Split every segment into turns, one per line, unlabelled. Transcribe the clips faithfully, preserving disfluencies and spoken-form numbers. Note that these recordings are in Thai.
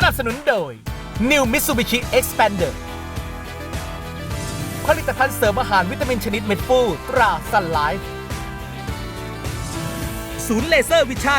นับสนุนโดย New Mitsubishi Xpander ผลิตภัณฑ์เสริมอาหารวิตามินชนิดเม็ดฟูตรา Sun Life ศูนย์เลเซอร์วิชั่น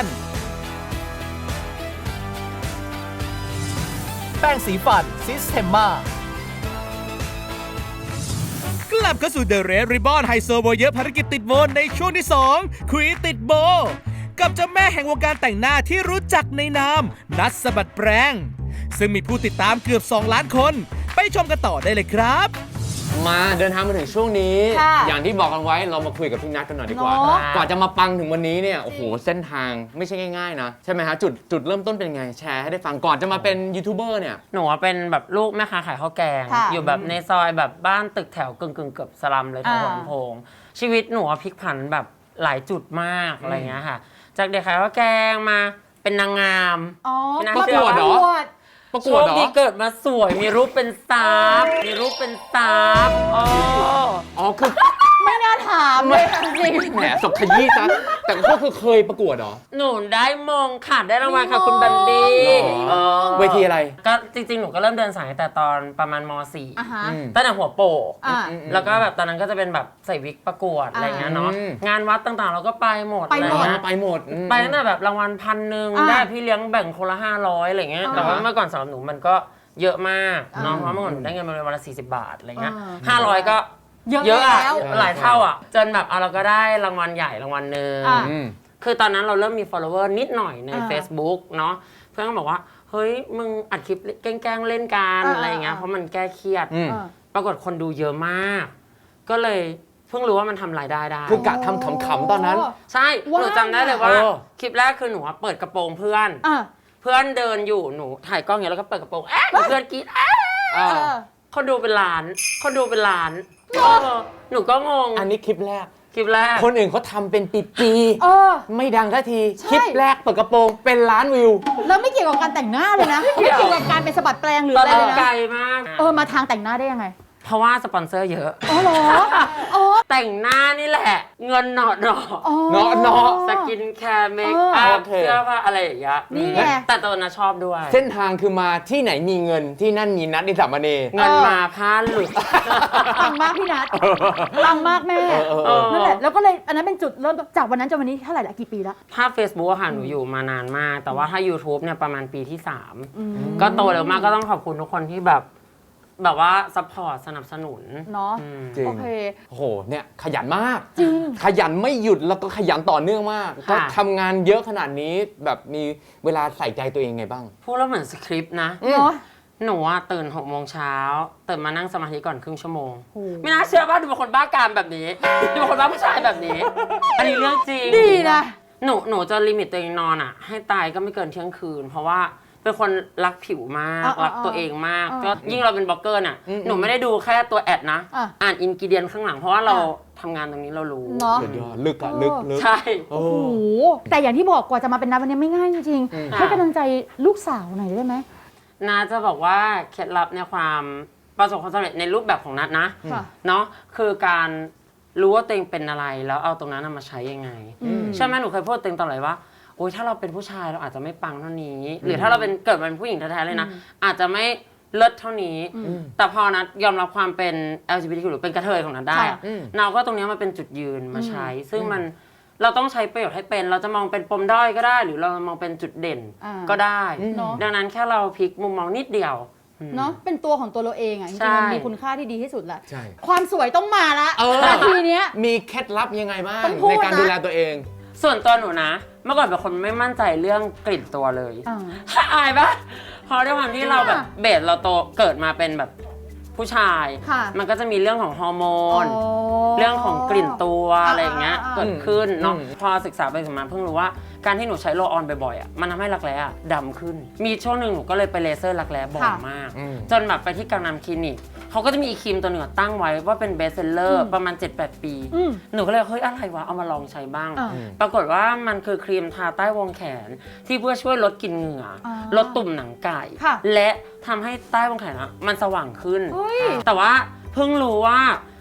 แป้งสีฟันซิสเทมมากลับเข้าสู่ The Red Ribbon ไฮโซโบเยอะภารกิจติดโบในช่วงที่สองคุยติดโบกับเจ้าแม่แห่งวงการแต่งหน้าที่รู้จักในนามนัทสะบัดแปรงซึ่งมีผู้ติดตามเกือบสองล้านคนไปชมกันต่อได้เลยครับ
มาเดินทางมาถึงช่วงนี้อย่างที่บอกกันไว้เรามาคุยกับพี่นัทกันหน่อยดีกว่ากว่าจะมาปังถึงวันนี้เนี่ยโอ้โหเส้นทางไม่ใช่ง่ายๆนะใช่ไหมฮะจุดจุดเริ่มต้นเป็นไงแชร์ให้ได้ฟังก่อนจะมาเป็นยูทูบเบอร์เนี่ย
หนูเป็นแบบลูกแม่ค้าขายข้าวแกงอยู่แบบในซอยแบบบ้านตึกแถวกึ่งกึ่งเกือบสลัมเลยทางหัวลำโพงชีวิตหนูพลิกผันแบบหลายจุดมากอะไรเงี้ยค่ะจากเด็กขายข้าวแกงมาเป็นนางงาม
ประกวดเหรอประกวดเหรอ
โชคดีเกิดมาสวยมีรูปเป็นสาบมีรูปเป็นสาบอ๋อ
อ๋อคือ
ไม่น่าถามเลยจริง
แหมสกขยี้ซะแต่ก็คือเคยประกวดเหรอ
หนูได้มงค่ะได้รางวัลค่ะคุณบันดี้
เวทีอะไร
ก็จริงๆหนูก็เริ่มเดินสายแต่ตอนประมาณม สี่ตั้งแต่หัวโปกแล้วก็แบบตอนนั้นก็จะเป็นแบบใส่วิกประกวดอะไรเงี้ยเนาะงานวัดต่างๆเราก็ไปหมด
ไปหมด
ไปหมด
ไปตั้งแต่แบบรางวัลพันหนึ่งได้พี่เลี้ยงแบ่งคนละห้าร้อยอะไรเงี้ยแต่ว่าเมื่อก่อนสำหรับหนูมันก็เยอะมากเนาะเพราะเมื่อก่อนหนูได้เงินมาวันละสี่สิบบาทอะไรเงี้ยห้าร้อยก็เยอะอะหลายเท่าอ่ะจนแบบเราก็ได้รางวัลใหญ่รางวัลหนึ่งคือตอนนั้นเราเริ่มมี follower นิดหน่อยใน Facebook เนาะเพื่อนก็บอกว่าเฮ้ยมึงอัดคลิปแกล้งเล่นกันอะไรเงี้ยเพราะมันแก้เครียดปรากฏคนดูเยอะมากก็เลยเพิ่งรู้ว่ามันทำรายได้ได้
คือกะทำขำๆตอนนั้น
ใช่หนูจำได้เลยว่าคลิปแรกคือหนูเปิดกระโปรงเพื่อนเพื่อนเดินอยู่หนูถ่ายกล้องอย่างนี้แล้วก็เปิดกระโปรงเอ๊ะเพื่อนกรี๊ดเอ๊ะเขาดูเป็นล้านเขาดูเป็นล้านหนูก็งง
อันนี้คลิปแรก
คลิปแรก
คนอื่นเขาทำเป็นปีๆไม่ดังทันทีคลิปแรกเปิดกระโปรงเป็นล้านวิว
แล้วไม่เกี่ยวกับการแต่งหน้าเลยนะไม่เกี่ยวกับการเป็นสะบัดแปลงหรืออะไรเลยนะ
ไกลมาก
เออมาทางแต่งหน้าได้ยังไง
เพราะว่าสปอนเซอร์เยอะ
อ๋อเหรออ๋อ
แต่งหน้านี่แหละเงินหนอหนอ
หนอหนอ
สกินแคร์เมคอัพเสื้อผ้าอะไรอย่างเงี้ย
นี่ไง
แต่ตัวน่ะชอบด้วย
เส้นทางคือมาที่ไหนมีเงินที่นั่นมีนัดนิสามเณร
เงินมาผ้าหลุด
ปังมากพี่นัทปังมากแม่นั่นแหละแล้วก็เลยอันนั้นเป็นจุดเริ่มจากวันนั้นจนวันนี้เท่าไหร่ละกี่ปีแล้ว
ถ้า Facebook อะค่ะหนูอยู่มานานมากแต่ว่าถ้า YouTube เนี่ยประมาณปีที่สามก็โตเร็วมากก็ต้องขอบคุณทุกคนที่แบบแบบว่าซัพพอร์ตสนับสนุน
เนาะ
จริง
โอเค
โอ้โหเนี่ยขยันมาก
จริง
ขยันไม่หยุดแล้วก็ขยันต่อเนื่องมากก็ทำงานเยอะขนาดนี้แบบมีเวลาใส่ใจตัวเองไงบ้าง
พูดแล้วเหมือนสคริปต์นะหนูอะตื่นหกโมงเช้าตื่นมานั่งสมาธิก่อนครึ่งชั่วโมงไม่น่าเชื่อว่าดูเป็นคนบ้ากามแบบนี้ดูเป็นคนบ้าผู้ชายแบบนี้อันนี้เรื่องจริง
ดีนะ
หนูหนูจะลิมิตตัวเองนอนอะให้ตายก็ไม่เกินเที่ยงคืนเพราะว่าเป็นคนรักผิวมากรักตัวเองมากก็ยิ่งเราเป็นบล็อกเกอร์น่ะหนูไม่ได้ดูแค่ตัวแอดนะอ่านอินกิเดียนข้างหลังเพราะว่าเราทำงานตรงนี้เรารู้
เนาะ
ลึกอะลึกลึก
ใช่
โอ้โหแต่อย่างที่บอกกว่าจะมาเป็นนัทวันนี้ไม่ง่ายจริงๆให้กำลังใจลูกสาวหน่อยได้ไหม
นาจะบอกว่าเคล็ดลับในความประสบความสำเร็จในรูปแบบของนัทนะเนาะคือการรู้ว่าตัวเองเป็นอะไรแล้วเอาตรงนั้นมาใช้ยังไงใช่ไหมหนูเคยพูดตัวเองตลอดว่าโอ้ยถ้าเราเป็นผู้ชายเราอาจจะไม่ปังเท่านี้หรือถ้าเราเป็นเกิดมาเป็นผู้หญิงแท้ๆเลยนะอาจจะไม่เลิศเท่านี้แต่พอนัทยอมรับความเป็น แอล จี บี ที คิว หรือเป็นกระเทยของนัทได้เราก็ตรงนี้มาเป็นจุดยืนมาใช้ซึ่งมันเราต้องใช้ประโยชน์ให้เป็นเราจะมองเป็นปมด้อยก็ได้หรือเรามองเป็นจุดเด่นก็ได้ดังนั้นแค่เราพลิกมุมมองนิดเดียว
เนาะเป็นตัวของตัวเราเองอ่ะจริงๆมันมีคุณค่าที่ดีที่สุดแหละความสวยต้องมาละทีเนี้ย
มีเคล็ดลับยังไงบ้างในการดูแลตัวเอง
ส่วนตัวหนูนะเมื่อก่อนเป็นคนไม่มั่นใจเรื่องกลิ่นตัวเลยอายปะเพราะด้วยความที่เราแบบเบสเราโตเกิดมาเป็นแบบผู้ชายมันก็จะมีเรื่องของฮอร์โมนเรื่องของกลิ่นตัวอะไรอย่างเงี้ยเกิดขึ้นเนาะพอศึกษาไปศึกษามาเพิ่งรู้ว่าการที่หนูใช้โรลออนบ่อยๆอ่ะมันทำให้รักแร้ดำขึ้นมีช่วงหนึ่งหนูก็เลยไปเลเซอร์รักแร้บ่อยมากจนแบบไปที่กังนำคลินิกเขาก็จะมีอีครีมตัวหนึ่งตั้งไว้ว่าเป็นเบสเซลเลอร์ประมาณ เจ็ดแปด ปีหนูก็เลยเฮ้ยอะไรวะเอามาลองใช้บ้างปรากฏว่ามันคือครีมทาใต้วงแขนที่เพื่อช่วยลดกลิ่นเหงื่อลดตุ่มหนังไก่และทำให้ใต้วงแขนมันสว่างขึ้นแต่ว่าเพิ่งรู้ว่า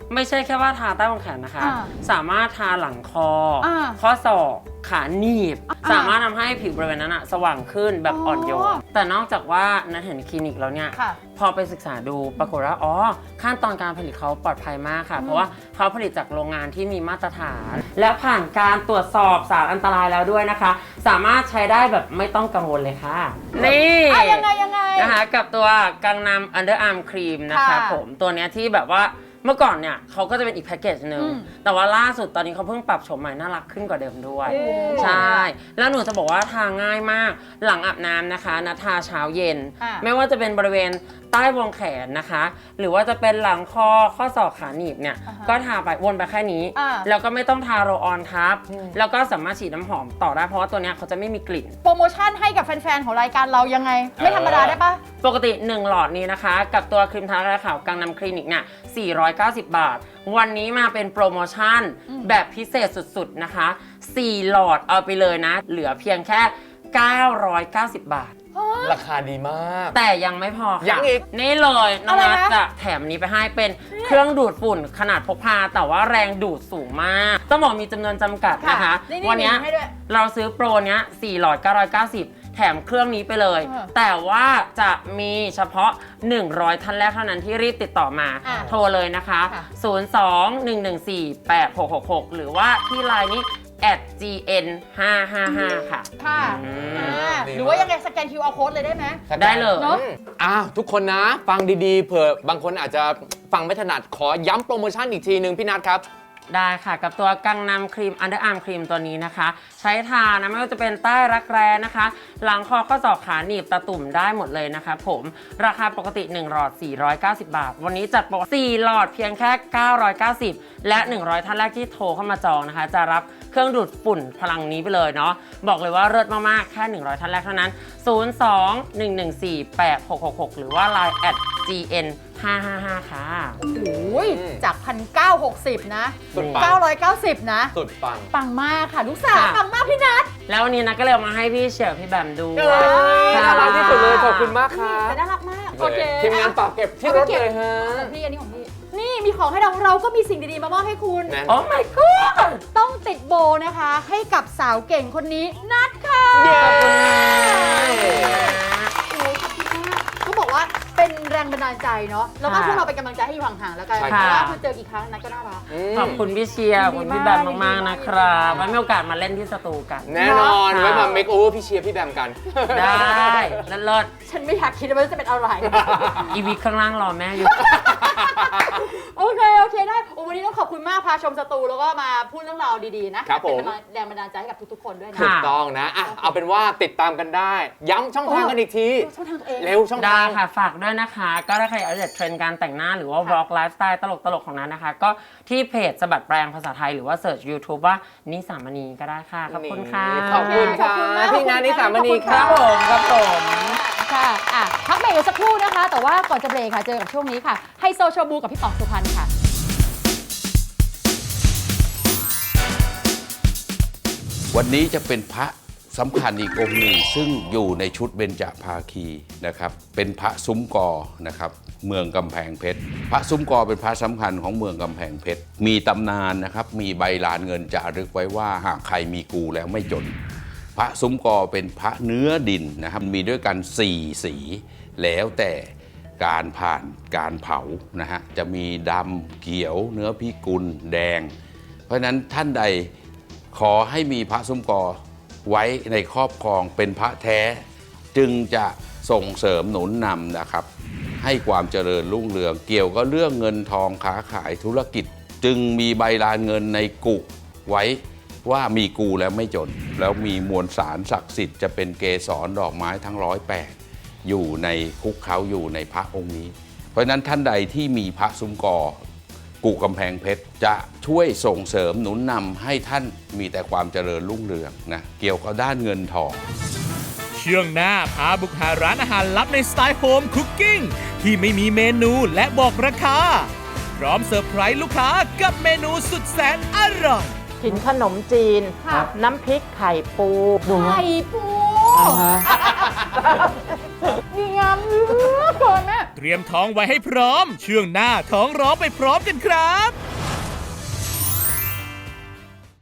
ไม่ใช่แค่ว่าทาใต้วงแขนนะคะ
อ่า
สามารถทาหลังคออา ข้อศอกขาหนีบ
อ่า
สามารถทำให้ผิวบริเวณนั้นอะสว่างขึ้นแบบ
อ๋ออ่
อ่อนโยนแต่นอกจากว่านัทเห็นคลินิกแล้วเนี่ย
ค่ะ
พอไปศึกษาดูปรากฏว่าอ๋อขั้นตอนการผลิตเขาปลอดภัยมากค่ะ เพราะว่าเขาผลิตจากโรงงานที่มีมาตรฐาน และผ่านการตรวจสอบสารอันตรายแล้วด้วยนะคะ สามารถใช้ได้แบบไม่ต้องกังวลเลยค่ะ นี่
อ่ะยังไงยังไง
นะคะกับตัวกังนำ Underarm Cream นะคะ
ค่ะ
ผมตัวเนี้ยที่แบบว่าเมื่อก่อนเนี่ยเขาก็จะเป็นอีกแพ็กเกจหนึ่ง
อืม
แต่ว่าล่าสุดตอนนี้เขาเพิ่งปรับโฉมใหม่น่ารักขึ้นกว่าเดิมด้วย
โอ้
ใช่ แล้วหนูจะบอกว่าทาง่ายมากหลังอาบน้ำนะคะนัททาเช้าเย็น
อ่ะ
ไม่ว่าจะเป็นบริเวณใต้วงแขนนะคะ หรือว่าจะเป็นหลังคอข้อศอกขาหนีบเนี่ย
อ่าฮะ
ก็ทาไปวนไปแค่นี้
อ่า
แล้วก็ไม่ต้องทาโรลออนทับ แล้วก็สามารถฉีดน้ำหอมต่อได้เพราะว่าตัวเนี้ยเขาจะไม่มีกลิ่น
โปรโมชั่นให้กับแฟนๆ ของรายการเรายังไง ไม่ธรรมดาได้ปะ
ปกติ หนึ่ง หลอดนี้นะคะ กับตัวครีมทาราขาวกังนำคลินิกเนี่ยสี่ร้อยเก้าสิบ บาท วันนี้มาเป็นโปรโมชั่นแบบพิเศษสุดๆนะคะ สี่ หลอดเอาไปเลยนะ เหลือเพียงแค่ เก้าร้อยเก้าสิบ บาท
ราคาดีมาก
แต่ยังไม่พอค่ะ
ยังอีก
นี่เลยน้อง
อะไร
นัท
นะ
จะแถมนี้ไปให้เป็นเครื่องดูดฝุ่นขนาดพกพา แต่ว่าแรงดูดสูงมากต้องบอกมีจำนวนจำกัดนะคะ
นี่
วันเนี้ย
มีให้ด้วย
เราซื้อโปรเนี้ยสี่หลอดเก้าร้อยเก้าสิบ แถมเครื่องนี้ไปเลย
เออ
แต่ว่าจะมีเฉพาะ หนึ่งร้อย ท่านแรกเท่านั้นที่รีบติดต่อมา
อ่ะ
โทรเลยนะคะ
ค่ะ
ศูนย์ สอง หนึ่ง หนึ่ง สี่ แปด หก หก หก หรือว่าที่ไลน์นี้ แอท จี เอ็น ห้า ห้า ห้า ค่ะ
ค่ะ
อืม
อ่า
ดีมาก
หรือว่ายังไงสแกน คิว อาร์ Code เลยได้ไหม
ได้เลย
เนอะ
อ้าวทุกคนนะฟังดีๆเผื่อบางคนอาจจะฟังไม่ถนัดขอย้ำโปรโมชั่นอีกทีหนึ่งพี่นัทครับ
ได้ค่ะกับตัวกังนำครีม Underarm ครีมตัวนี้นะคะ ใช้ทานะไม่ว่าจะเป็นใต้รักแร้นะคะ หลังคอข้อศอกขาหนีบตะตุ่มได้หมดเลยนะคะผมราคาปกติ หนึ่ง หลอด สี่ร้อยเก้าสิบ บาท วันนี้จัดโปร สี่ หลอดเพียงแค่ เก้าร้อยเก้าสิบ และ หนึ่งร้อย ท่านแรกที่โทรเข้ามาจองนะคะ จะรับเครื่องดูดฝุ่นพลังนี้ไปเลยเนาะบอกเลยว่าเลิศมากๆแค่ หนึ่งร้อย ท่านแรกเท่านั้น ศูนย์ สอง หนึ่ง หนึ่ง สี่ แปด หก หก หก หรือว่า ไลน์ แอท จี เอ็น ห้า ห้า ห้า ค่ะ
โอ้ยจาก หนึ่งพันเก้าร้อยหกสิบ นะ
สุดปัง
เก้าร้อยเก้าสิบ นะ
สุดปัง
ปังมากค่ะ ลูกสาว
ค่ะ
ปังมากพี่นัท
แล้ววันนี้นะก็เลยเอามาให้พี่เฉียวพี่แบมดู
เอ้ยน่ารักที่สุดเลยขอบคุณมากครั
แต่
บ
น่ารักมาก โอเค
ทีมงานฝากเก็บที่รถเลยฮะ
ของพี่อันนี้ของพี่ นี่มีของให้เราเราก็มีสิ่งดีๆมามอบให้คุณ
แน่น
โอ้ my god
ต้องติดโบนะคะ ให้กับสาวเก่งคนนี้นัทค่ะ
เย้
ขอบคุณนะ
โอ้ขอบคุณมากเขาบอกว่าเป็นแรงบันดาลใจเนาะ แล้วก็พวกเราเป็นกำลังใจให้อยู่ห่างๆแล้วกัน
ใช่
เพ
ครับ
ราะว่าคือเจอกี่ครั้งนัทก็น่ารัก
ม
ขอบคุณพี่เชียร์ขอบคุณพี่แบมมากๆนะครับไว้มีโอกาสมาเล่นที่สตูกัน
แน่นอน
ค่ะ
ไว้มาเมคโอเวอร์พี่เชียร์พี่แบมกัน
ได้เลิศ
ฉันไม่อยากคิดว่าจะเป็นอะไร
ๆอีวิกข้างล่างรอแม่อยู่
โอเค โอเค ได้โอ้วันนี้ต้องขอบคุณมากพาชมสตูแล้วก็มาพูดเรื่องราวดีๆนะครับ
ผม
เป็นแรงบันดาลใจให้กับทุกๆคนด้วยนะ
ค่ะ
ถูกต้องนะอ่ะเอาเป็นว่าติดตามกันได้ ย้ำช่องทางกันอีกที
ช่องทางตัวเอง
เร็วช่อง
ได้
ทาง
ค่ะ ฝากด้วยนะคะ ก็ถ้าใครอยากจะเทรนด์การแต่งหน้าหรือว่า vlog lifestyle ตลกๆ ของนั้นนะคะ ก็ที่เพจสะบัดแปลงภาษาไทยหรือว่าเสิร์ช YouTube ว่านิสามณีก็ได้ค่ะ ขอบคุณค่ะ
ขอบคุณค่ะ
ขอบคุณมาก
พี่นานิสามณีค
ค
รั
รั
บบ
ผมครับผม
ค่ะอ่ะพักเบรกกันสักครู่นะคะ แต่ว่าก่อนจะเบรกค่ะ เจอกับช่วงนี้ค่ะไฮโซโชบูกับพี่ป๋องสุพรรณค่ะ
วันนี้จะเป็นพระสำคัญอีกองค์หนึ่งซึ่งอยู่ในชุดเบญจภาคีนะครับเป็นพระซุ้มกอนะครับเมืองกำแพงเพชรพระซุ้มกอเป็นพระสำคัญของเมืองกำแพงเพชรมีตำนานนะครับมีใบลานเงินจารึกไว้ว่าหากใครมีกูแล้วไม่จน พระซุ้มกอเป็นพระเนื้อดินนะครับมีด้วยกันสี่สีแล้วแต่การผ่านการเผานะฮะจะมีดำเขียวเนื้อพิกุลแดง เพราะฉะนั้นท่านใดขอให้มีพระซุ้มกอไว้ในครอบครองเป็นพระแท้ จึงจะส่งเสริมหนุนนำนะครับ ให้ความเจริญรุ่งเรืองเกี่ยวกับเรื่องเงินทองค้าขายธุรกิจ จึงมีใบลานเงินในกุไว้ว่ามีกูแล้วไม่จน แล้วมีมวลสารศักดิ์สิทธิ์จะเป็นเกสรดอกไม้ทั้งร้อยแปดอยู่ในคุกเขาอยู่ในพระองค์นี้ เพราะฉะนั้นท่านใดที่มีพระซุ้มกอกูกำแพงเพชรจะช่วยส่งเสริมหนุนนำให้ท่านมีแต่ความเจริญรุ่งเรืองนะเกี่ยวกับด้านเงินทอง
ช่วงหน้าพาบุกหาร้านอาหารลับในสไตล์โฮมคุกกิ้งที่ไม่มีเมนูและบอกราคา พร้อมเซอร์ไพรส์ลูกค้ากับเมนูสุดแสนอร่อย
กินขนมจีน
ค่ะ
น้ำพริกไข่ปู
ไข่ปูดีงามเหลือเกินแม่
เตรียมท้องไว้ให้พร้อม ช่วงหน้าท้องร้องไปพร้อมกันครับ